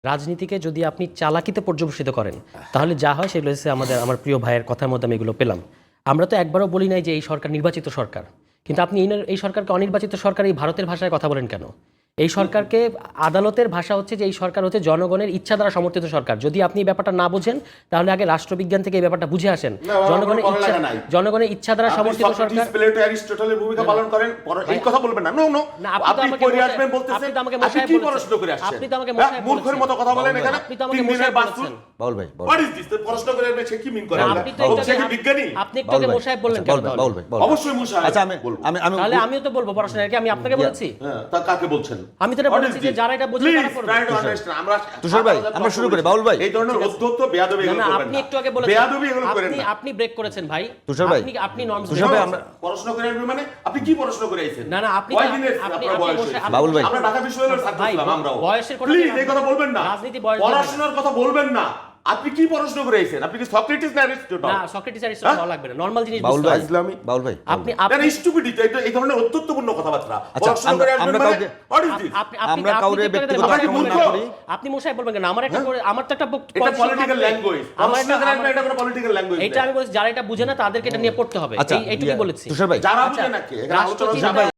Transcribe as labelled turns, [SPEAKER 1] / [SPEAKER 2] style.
[SPEAKER 1] রাজনীতিকে যদি আপনি চালাকিতে পর্যবেসিত করেন তাহলে যা হয় সেগুলো হচ্ছে আমার প্রিয় ভাইয়ের কথার মধ্যে আমি এগুলো পেলাম। আমরা তো একবারও বলি নাই যে এই সরকার নির্বাচিত সরকার, কিন্তু আপনি এই সরকারকে অনির্বাচিত সরকার এই ভারতের ভাষায় কথা বলেন কেন? এই সরকারকে আদালতের ভাষা হচ্ছে যে এই সরকার হচ্ছে জনগণের ইচ্ছা দ্বারা সমর্থিত সরকার। যদি আপনি এই ব্যাপারটা না বোঝেন তাহলে আগে রাষ্ট্রবিজ্ঞান থেকে এই ব্যাপারটা বুঝে আসেন। জনগণের ইচ্ছা দ্বারা সমর্থিত সরকার।
[SPEAKER 2] প্লেটো অ্যারিস্টটলের ভূমিকা পালন করেন, এই কথা বলবেন না। নো নো, আপনি পড়ে আসবেন বলতেছেন, আপনি কি প্রশ্ন করে আসছেন?
[SPEAKER 1] আপনি তো আমাকে মশাই
[SPEAKER 2] মূর্খের মতো কথা বলেন এখানে।
[SPEAKER 1] আপনি তো আমাকে মশাই বলছেন।
[SPEAKER 3] বাউল ভাই,
[SPEAKER 2] হোয়াট ইজ দিস? প্রশ্ন করে সে কি মিন করে?
[SPEAKER 1] আপনি তো
[SPEAKER 2] সে কি বিজ্ঞানী?
[SPEAKER 1] আপনি একটু আগে মশাই বললেন কেন?
[SPEAKER 3] বাউল ভাই,
[SPEAKER 2] অবশ্যই মশাই।
[SPEAKER 3] আচ্ছা আমি
[SPEAKER 1] তাহলে আমিও তো বলবো পড়াশোনা কি আমি আপনাকে বলেছি?
[SPEAKER 2] হ্যাঁ, তা কাকে বলছেন?
[SPEAKER 1] আমি তো এটা বলেছি যে যারা এটা বোঝে তারা করবে।
[SPEAKER 3] তুষার ভাই, আমরা শুরু করি। বাউল ভাই,
[SPEAKER 2] এই ধরনের অধ্যত্ত বেয়াদবি এগুলো
[SPEAKER 1] না,
[SPEAKER 2] করবেন
[SPEAKER 1] আপনি
[SPEAKER 2] না।
[SPEAKER 1] একটু আগে বলেছেন
[SPEAKER 2] বেয়াদবি এগুলো করেন না।
[SPEAKER 1] আপনি ব্রেক করেছেন ভাই।
[SPEAKER 3] তুষার ভাই,
[SPEAKER 1] আপনি নর্মস।
[SPEAKER 3] তুষার ভাই, আমরা
[SPEAKER 2] প্রশ্ন করে আসবেন মানে আপনি কি প্রশ্ন করে আইছেন?
[SPEAKER 1] না আপনি
[SPEAKER 2] কয়দিনের
[SPEAKER 1] আপনি
[SPEAKER 2] আপনার বয়স
[SPEAKER 1] বসে-
[SPEAKER 2] হয়েছে?
[SPEAKER 3] বাউল ভাই,
[SPEAKER 2] আমরা ঢাকা বিশ্ববিদ্যালয়ের ছাত্র
[SPEAKER 1] ভাই,
[SPEAKER 2] ছিলাম আমরাও।
[SPEAKER 1] বয়সের কথা
[SPEAKER 2] প্লিজ এই কথা বলবেন না।
[SPEAKER 1] রাজনীতি বয়স
[SPEAKER 2] পড়াশোনার কথা বলবেন না। আপনি কি পড়াশোনা করে আইছেন? আপনি কি সক্রেটিস না অ্যারিস্টটল?
[SPEAKER 1] না সক্রেটিস অ্যারিস্টটল ভালো লাগবে না, নরমাল জিনিস
[SPEAKER 3] বাউল
[SPEAKER 1] বুঝতে
[SPEAKER 3] ভাই,
[SPEAKER 1] হবে।
[SPEAKER 2] ইসলামী
[SPEAKER 3] বাউল ভাই,
[SPEAKER 1] আপনি
[SPEAKER 2] এটা স্টুপিডিটি, এই ধরনের অত্যন্তপূর্ণ কথাবার্তা।
[SPEAKER 3] আচ্ছা,
[SPEAKER 2] পড়াশোনা করে আসবেন
[SPEAKER 3] আমরা
[SPEAKER 2] মানে
[SPEAKER 3] কাউকে-
[SPEAKER 2] হোয়াট ইজ দিস?
[SPEAKER 3] আমরা কাউরে ব্যক্তিগত
[SPEAKER 2] আক্রমণ না করি।
[SPEAKER 1] আপনি মশাই বলবেন কেন? আমার একটা আমার তো একটা
[SPEAKER 2] এটা পলিটিক্যাল ল্যাঙ্গুয়েজ। পড়াশোনা করে আসবেন, এটা কোনো পলিটিক্যাল ল্যাঙ্গুয়েজ।
[SPEAKER 1] এটা আমি বলছি যারা এটা বুঝে না তাদেরকে এটা নিয়ে পড়তে হবে।
[SPEAKER 3] আচ্ছা,
[SPEAKER 1] এইটুকুই বলেছি।
[SPEAKER 3] তুষার ভাই,
[SPEAKER 2] যারা
[SPEAKER 1] আচ্ছা,
[SPEAKER 2] বুঝে নাকি এখানে আলোচনা
[SPEAKER 1] রাষ্ট্রচিন্তা-
[SPEAKER 2] তুষার ভাই,